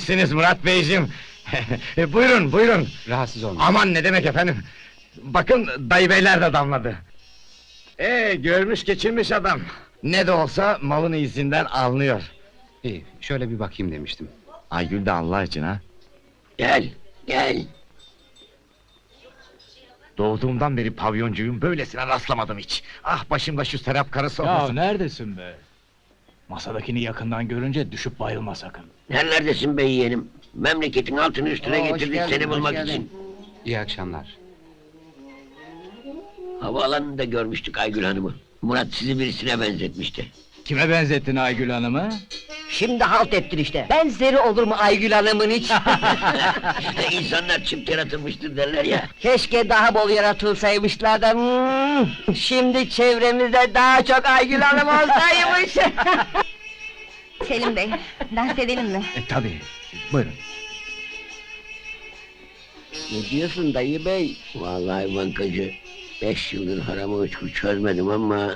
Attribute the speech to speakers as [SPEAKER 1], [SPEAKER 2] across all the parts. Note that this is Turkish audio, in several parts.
[SPEAKER 1] gelmişsiniz Murat Beyciğim. Buyurun, buyurun.
[SPEAKER 2] Rahatsız olma.
[SPEAKER 1] Aman ne demek efendim. Bakın dayı beyler de damladı. Görmüş geçirmiş adam. Ne de olsa malın izinden alınıyor.
[SPEAKER 2] İyi, şöyle bir bakayım demiştim.
[SPEAKER 1] Aygül de Allah için ha.
[SPEAKER 3] Gel, gel.
[SPEAKER 1] Doğduğumdan beri pavyoncuyum, böylesine rastlamadım hiç. Ah başımda şu Serap karısı
[SPEAKER 4] Ya
[SPEAKER 1] olmasın.
[SPEAKER 4] neredesin be? Masadakini yakından görünce düşüp bayılma sakın.
[SPEAKER 3] Nerelerdesin be yeğenim? Memleketin altını üstüne
[SPEAKER 2] Hoş
[SPEAKER 3] getirdik
[SPEAKER 2] geldin,
[SPEAKER 3] seni
[SPEAKER 2] hoş
[SPEAKER 3] bulmak
[SPEAKER 2] geldin.
[SPEAKER 3] için.
[SPEAKER 2] İyi akşamlar.
[SPEAKER 3] Havaalanında görmüştük Aygül Hanım'ı. Murat sizi birisine benzetmişti.
[SPEAKER 4] Kime benzettin Aygül Hanım'ı?
[SPEAKER 5] Şimdi halt ettin işte. Benzeri olur mu Aygül Hanım'ın hiç?
[SPEAKER 3] İnsanlar çift yaratılmıştır derler ya.
[SPEAKER 5] Keşke daha bol yaratılsaymışlar da... Şimdi çevremizde daha çok Aygül Hanım olsaymış.
[SPEAKER 6] Selim Bey, dans edelim mi?
[SPEAKER 4] Tabii, buyurun.
[SPEAKER 3] Ne diyorsun dayı bey? Vallahi bankacı, 5 yıldır haramı uçku çözmedim ama...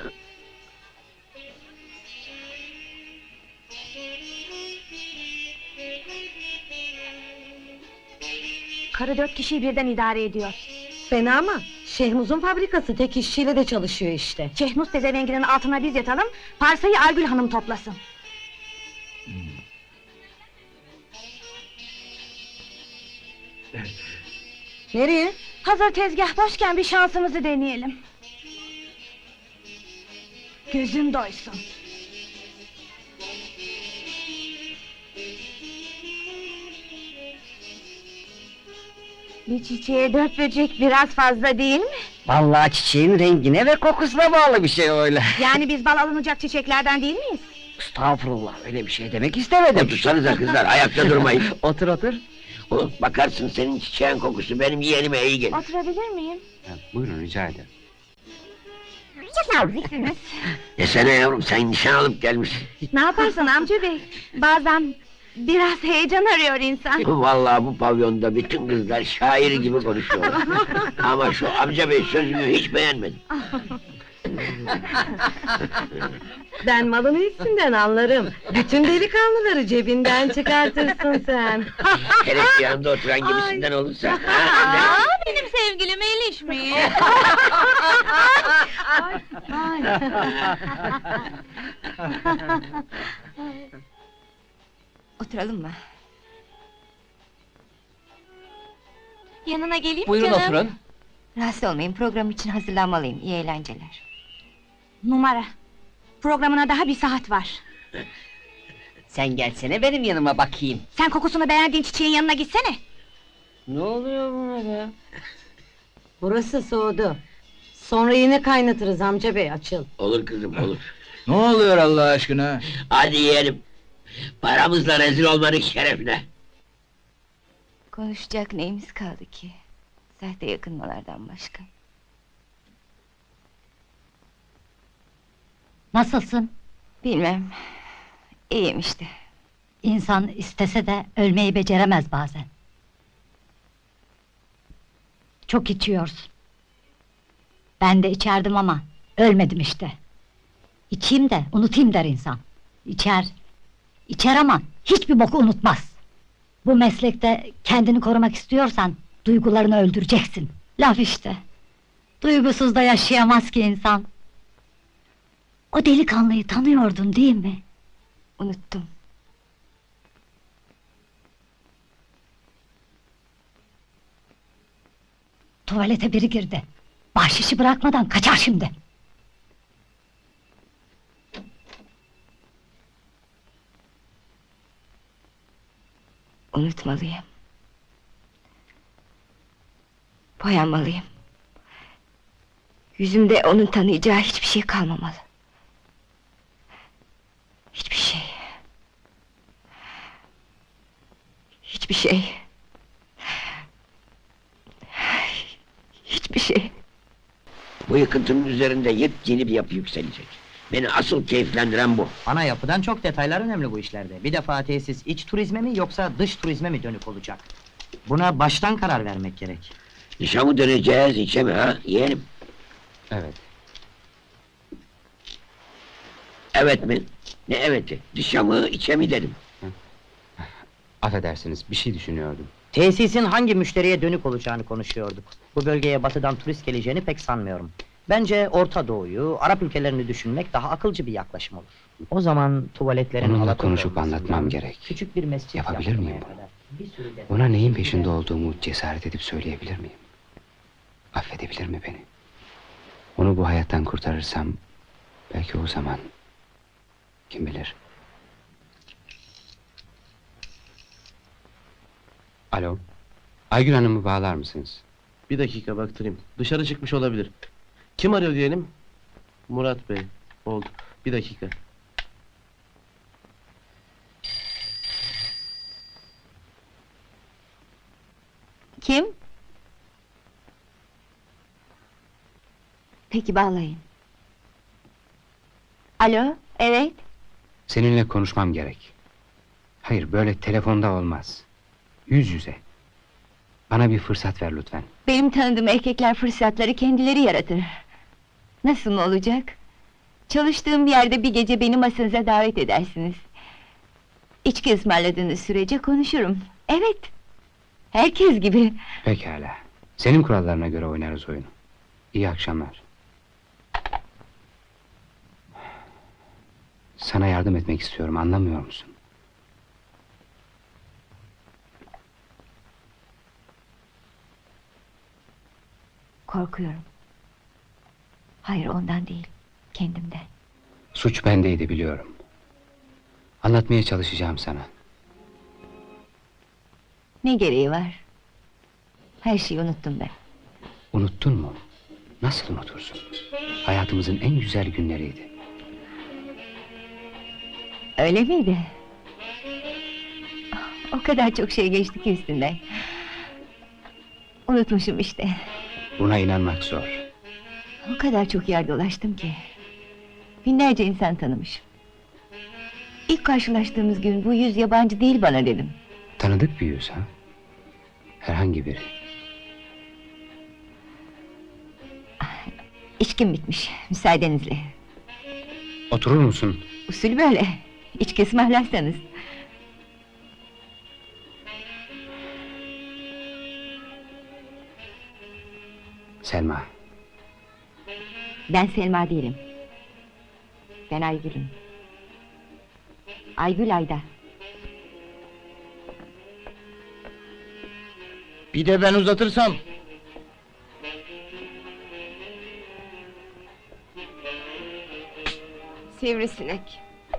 [SPEAKER 6] Karı 4 kişiyi birden idare ediyor.
[SPEAKER 7] Fena mı? Şehmuz'un fabrikası tek işçiyle de çalışıyor işte.
[SPEAKER 6] Şehnuz tezevenginin altına biz yatalım, parsayı Aygül Hanım toplasın.
[SPEAKER 7] Nereye?
[SPEAKER 6] Hazır tezgah boşken bir şansımızı deneyelim. Gözüm doysun. Bir çiçeğe 4 böcek biraz fazla değil mi?
[SPEAKER 5] Vallahi çiçeğin rengine ve kokusuna bağlı bir şey öyle.
[SPEAKER 6] Yani biz bal alınacak çiçeklerden değil miyiz?
[SPEAKER 5] Estağfurullah, öyle bir şey demek istemedim.
[SPEAKER 3] Otursanıza kızlar, ayakta durmayın.
[SPEAKER 5] Otur otur.
[SPEAKER 3] Oğlum, bakarsın senin çiçeğin kokusu benim yeğenime iyi gelir.
[SPEAKER 6] Oturabilir miyim?
[SPEAKER 2] Ha, buyurun, rica ederim.
[SPEAKER 3] Desene yavrum, sen nişan alıp gelmişsin.
[SPEAKER 6] Ne yaparsın amca bey? Bazen biraz heyecan arıyor insan.
[SPEAKER 3] Vallahi bu pavyonda bütün kızlar şair gibi konuşuyorlar. Ama şu amca bey sözünü hiç beğenmedim.
[SPEAKER 7] Ben malın üstünden anlarım. Bütün delikanlıları cebinden çıkartırsın sen.
[SPEAKER 3] Hele ki yanında oturan gibisinden olursa. ha,
[SPEAKER 6] Benim sevgilim ilişmiyor. Oturalım mı? Yanına geleyim mi
[SPEAKER 5] Buyurun
[SPEAKER 6] canım?
[SPEAKER 5] oturun.
[SPEAKER 6] Rahatsız olmayın, program için hazırlanmalıyım. İyi eğlenceler. Numara. Programına daha bir saat var.
[SPEAKER 5] Sen gelsene benim yanıma bakayım.
[SPEAKER 6] Sen kokusunu beğendiğin çiçeğin yanına gitsene.
[SPEAKER 5] Ne oluyor buna be?
[SPEAKER 7] Burası soğudu. Sonra yine kaynatırız amca bey, açıl.
[SPEAKER 3] Olur kızım, olur.
[SPEAKER 4] Ne oluyor Allah aşkına?
[SPEAKER 3] Hadi yiyelim. Paramızla rezil olmadık şerefine.
[SPEAKER 6] Konuşacak neyimiz kaldı ki? Sahte yakınmalardan başka.
[SPEAKER 8] Nasılsın?
[SPEAKER 6] Bilmem. İyiyim işte.
[SPEAKER 8] İnsan istese de ölmeyi beceremez bazen. Çok içiyorsun. Ben de içerdim ama ölmedim işte. İçeyim de unutayım der insan. İçer, içer ama hiçbir boku unutmaz. Bu meslekte kendini korumak istiyorsan duygularını öldüreceksin. Laf işte. Duygusuz da yaşayamaz ki insan. O delikanlıyı tanıyordun değil mi?
[SPEAKER 6] Unuttum.
[SPEAKER 8] Tuvalete biri girdi. Bahşişi bırakmadan kaçar şimdi.
[SPEAKER 6] Unutmalıyım. Boyanmalıyım. Yüzümde onun tanıyacağı hiçbir şey kalmamalı. Hiçbir şey. Hiçbir şey. Hiçbir şey.
[SPEAKER 3] Bu yıkıntının üzerinde yepyeni bir yapı yükselecek. Beni asıl keyiflendiren bu.
[SPEAKER 5] Ana yapıdan çok detaylar önemli bu işlerde. Bir defa tesis iç turizme mi yoksa dış turizme mi dönük olacak? Buna baştan karar vermek gerek.
[SPEAKER 3] Dışa mı döneceğiz, içe mi ha, yeğenim?
[SPEAKER 2] Evet.
[SPEAKER 3] Evet mi? Ne eveti? Dışa mı, içe mi dedim.
[SPEAKER 2] Affedersiniz, bir şey düşünüyordum.
[SPEAKER 5] Tesisin hangi müşteriye dönük olacağını konuşuyorduk. Bu bölgeye batıdan turist geleceğini pek sanmıyorum. Bence Orta Doğu'yu, Arap ülkelerini düşünmek daha akılcı bir yaklaşım olur. O zaman tuvaletlerin
[SPEAKER 2] Onunla
[SPEAKER 5] Alaturka
[SPEAKER 2] konuşup
[SPEAKER 5] olmasından
[SPEAKER 2] anlatmam gerek.
[SPEAKER 5] Küçük bir mescit
[SPEAKER 2] Yapabilir
[SPEAKER 5] yaptırmaya
[SPEAKER 2] miyim bunu?
[SPEAKER 5] kadar bir sürü detay-
[SPEAKER 2] Ona neyin peşinde olduğumu cesaret edip söyleyebilir miyim? Affedebilir mi beni? Onu bu hayattan kurtarırsam, belki o zaman, kim bilir? Alo, Aygül Hanım'ı bağlar mısınız?
[SPEAKER 9] Bir dakika baktırayım. Dışarı çıkmış olabilir. Kim arıyor diyelim? Murat Bey. Oldu. Bir dakika.
[SPEAKER 6] Kim? Peki bağlayın. Alo, evet.
[SPEAKER 2] Seninle konuşmam gerek. Hayır, böyle telefonda olmaz. Yüz yüze. Bana bir fırsat ver lütfen.
[SPEAKER 6] Benim tanıdığım erkekler fırsatları kendileri yaratır. Nasıl mı olacak? Çalıştığım bir yerde bir gece beni masanıza davet edersiniz. İçki ısmarladığınız sürece konuşurum. Evet. Herkes gibi.
[SPEAKER 2] Pekala. Senin kurallarına göre oynarız oyunu. İyi akşamlar. Sana yardım etmek istiyorum, anlamıyor musun?
[SPEAKER 6] Korkuyorum. Hayır, ondan değil. Kendimden.
[SPEAKER 2] Suç bendeydi, biliyorum. Anlatmaya çalışacağım sana.
[SPEAKER 6] Ne gereği var? Her şeyi unuttum ben.
[SPEAKER 2] Unuttun mu? Nasıl unutursun? Hayatımızın en güzel günleriydi.
[SPEAKER 6] Öyle miydi? O kadar çok şey geçti ki üstünden. Unutmuşum işte.
[SPEAKER 2] Buna inanmak zor.
[SPEAKER 6] O kadar çok yer dolaştım ki. Binlerce insan tanımışım. İlk karşılaştığımız gün bu yüz yabancı değil bana dedim.
[SPEAKER 2] Tanıdık bir yüz ha? Herhangi biri.
[SPEAKER 6] İçkim bitmiş, müsaadenizle.
[SPEAKER 2] Oturur musun?
[SPEAKER 6] Usul böyle. İçki ısmarlarsanız.
[SPEAKER 2] Selma.
[SPEAKER 6] Ben Selma değilim. Ben Aygül'üm. Aygül Ayda.
[SPEAKER 1] Bir de ben uzatırsam.
[SPEAKER 6] Sivrisinek.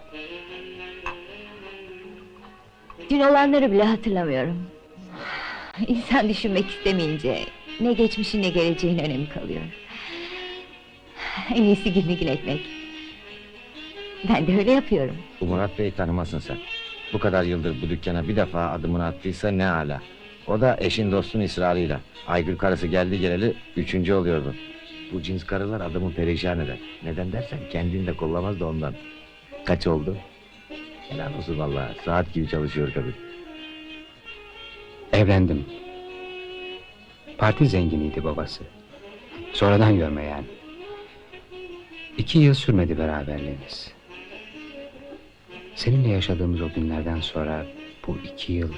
[SPEAKER 6] Dün olanları bile hatırlamıyorum. İnsan düşünmek istemeyince ne geçmişin ne geleceğin önemi kalıyor. En iyisi gülmegil etmek. Ben de öyle yapıyorum.
[SPEAKER 1] Bu Murat Bey'i tanımazsın sen. Bu kadar yıldır bu dükkana bir defa adımını attıysa ne âlâ. O da eşin dostun ısrarıyla. Aygül karısı geldi geleli 3. oluyordu. Bu cins karılar adamı perişan eder. Neden dersen kendini de kollamaz da ondan. Kaç oldu? Helal olsun vallahi. Saat gibi çalışıyor kadın.
[SPEAKER 2] Evlendim. Parti zenginiydi babası. Sonradan görme yani. 2 yıl sürmedi beraberliğimiz. Seninle yaşadığımız o günlerden sonra bu 2 yıl...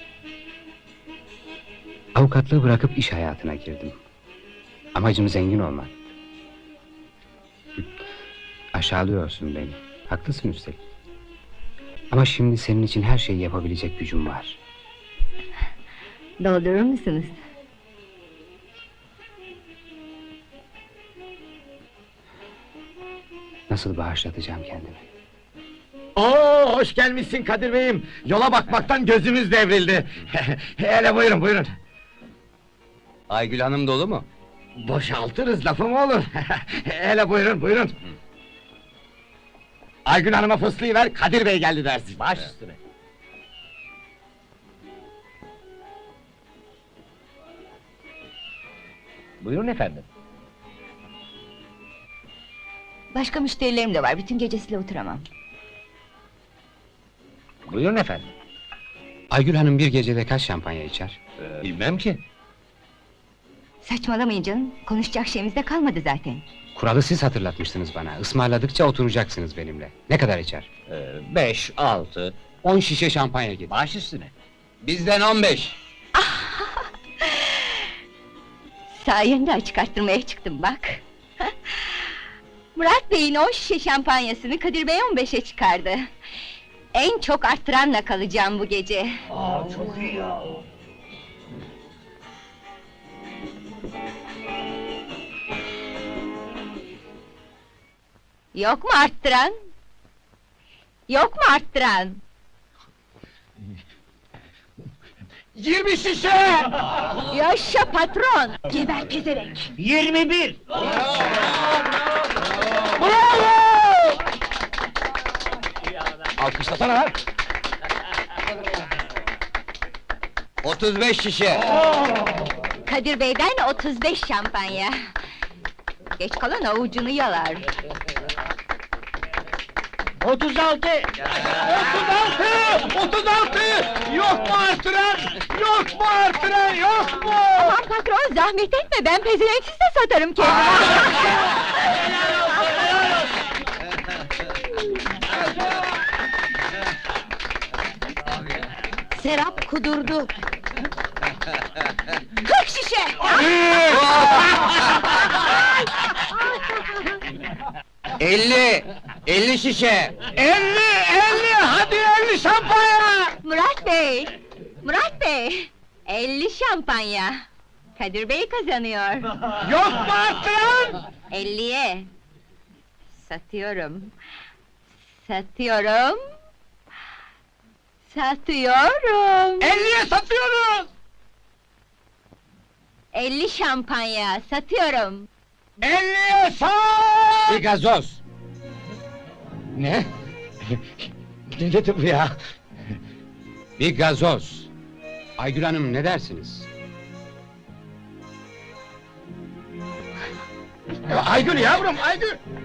[SPEAKER 2] Avukatlığı bırakıp iş hayatına girdim. Amacım zengin olmak. Aşağılıyorsun beni. Haklısın üstelik. Ama şimdi senin için her şeyi yapabilecek gücüm var.
[SPEAKER 6] Doldurur musunuz?
[SPEAKER 2] Nasıl bağışlatacağım kendimi?
[SPEAKER 1] Oo, hoş gelmişsin Kadir Bey'im. Yola bakmaktan gözümüz devrildi. Hele buyurun buyurun.
[SPEAKER 2] Aygül Hanım dolu mu?
[SPEAKER 1] Boşaltırız lafı mı olur? Hele buyurun buyurun. Aygün Hanım'a fıslıyı ver, Kadir Bey geldi dersin. Baş üstüne. Buyurun efendim.
[SPEAKER 6] Başka müşterilerim de var, bütün gecesiyle oturamam.
[SPEAKER 1] Buyurun efendim.
[SPEAKER 2] Aygül Hanım bir gecede kaç şampanya içer?
[SPEAKER 1] Bilmem ki.
[SPEAKER 6] Saçmalamayın canım, konuşacak şeyimiz de kalmadı zaten.
[SPEAKER 2] Kuralı siz hatırlatmıştınız bana. Ismarladıkça oturacaksınız benimle. Ne kadar içer?
[SPEAKER 1] 5, 6.
[SPEAKER 2] 10 şişe şampanya getir.
[SPEAKER 1] Baş üstüne.
[SPEAKER 2] Bizden 15.
[SPEAKER 6] Sayende açık arttırmaya çıktım bak. Murat Bey'in 10 şişe şampanyasını Kadir Bey 15'e çıkardı. En çok arttıranla kalacağım bu gece. Yok mu arttıran? Yok mu arttıran?
[SPEAKER 4] 20 şişe!
[SPEAKER 6] Yaşa patron! Geber pezerek!
[SPEAKER 4] 21!
[SPEAKER 1] Alkışlasana lan!
[SPEAKER 2] 35 şişe.
[SPEAKER 6] Kadir Bey'den 35 şampanya. Geç kalan avucunu yalar.
[SPEAKER 4] 36! 36! Yok mu artıran? Yok mu artıran? Yok mu?
[SPEAKER 6] Aman patron zahmet etme, ben pezevenksiz de satarım kendimi.
[SPEAKER 7] Serap kudurdu.
[SPEAKER 6] 40 şişe!
[SPEAKER 2] 50 şişe.
[SPEAKER 4] 50! Hadi 50 şampanya!
[SPEAKER 6] Murat Bey! Murat Bey! 50 şampanya! Kadir Bey kazanıyor.
[SPEAKER 4] Yok mu artıran?
[SPEAKER 6] 50'ye! Satıyorum. Satıyorum. Satıyorum.
[SPEAKER 4] 50'ye satıyoruz!
[SPEAKER 6] 50 şampanya satıyorum.
[SPEAKER 4] 50'ye sat!
[SPEAKER 2] Bir gazoz.
[SPEAKER 1] Ne? Ne dedi bu ya?
[SPEAKER 2] Bir gazoz. Aygül Hanım ne dersiniz?
[SPEAKER 4] Aygül yavrum, Aygül!